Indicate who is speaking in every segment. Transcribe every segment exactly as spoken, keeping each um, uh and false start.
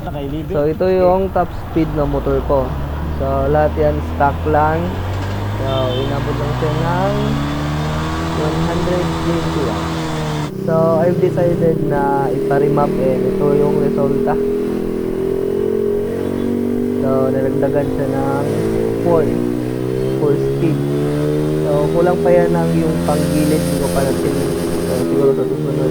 Speaker 1: So ito yung top speed na motor ko. So lahat yan stock lang. So inabot lang siya ng one hundred twenty lang. So I've decided na ipa-remap, and ito yung resulta. So nilagdagan siya ng four speed. So kulang pa yan ng yung panggilid, hindi ko pa natin. So siguro sa susunod.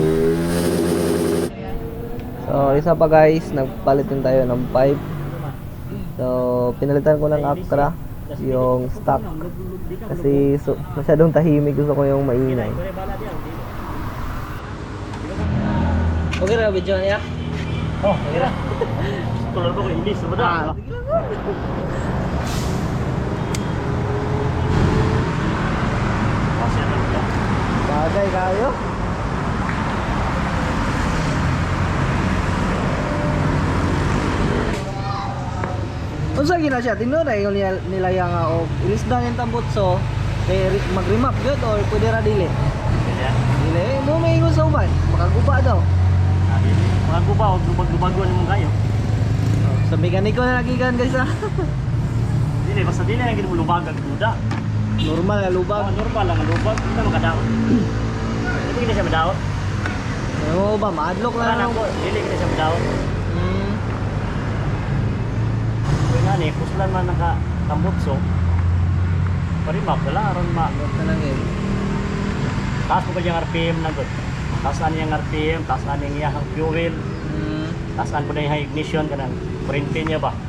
Speaker 1: So isa pa guys, nagpalit din tayo ng pipe. So pinalitan ko ng Actra yung stock kasi so, masyadong tahimik, gusto ko yung maingay. Okay ra video niya?
Speaker 2: Oh, okay ra. Tulad ko inis sa bada.
Speaker 1: Bagay kayo. Unsa gina siya? Tinuod ay nila nila yang og ilisdan yung tambutso kay mag-remap gyud or pwede ra dili? Dili, mo may ingon sa uban, makaguba daw.
Speaker 2: Mga guba o lubag-lubagon mo kayo.
Speaker 1: Sa mekaniko na nagikan guys ah.
Speaker 2: Dili basta dili ang gid mo lubag ang duda.
Speaker 1: Normal na lubag.
Speaker 2: Oh, normal lang ang lubag, hindi mo kadaot. Hindi kini siya madaot.
Speaker 1: Oo ba, maadlok
Speaker 2: Wala
Speaker 1: lang.
Speaker 2: na ko, dili kini siya madaot.
Speaker 1: Hmm.
Speaker 2: Kaya nga ni, kuslan man naka tambutso. Parimap wala aron ma.
Speaker 1: Ano na lang yun.
Speaker 2: Taas mo ba yung R P M na gud? Taas ani yung R P M, taas ani yung iyang fuel,
Speaker 1: Hmm.
Speaker 2: taas ani po na yung high ignition kanang kurente niya ba?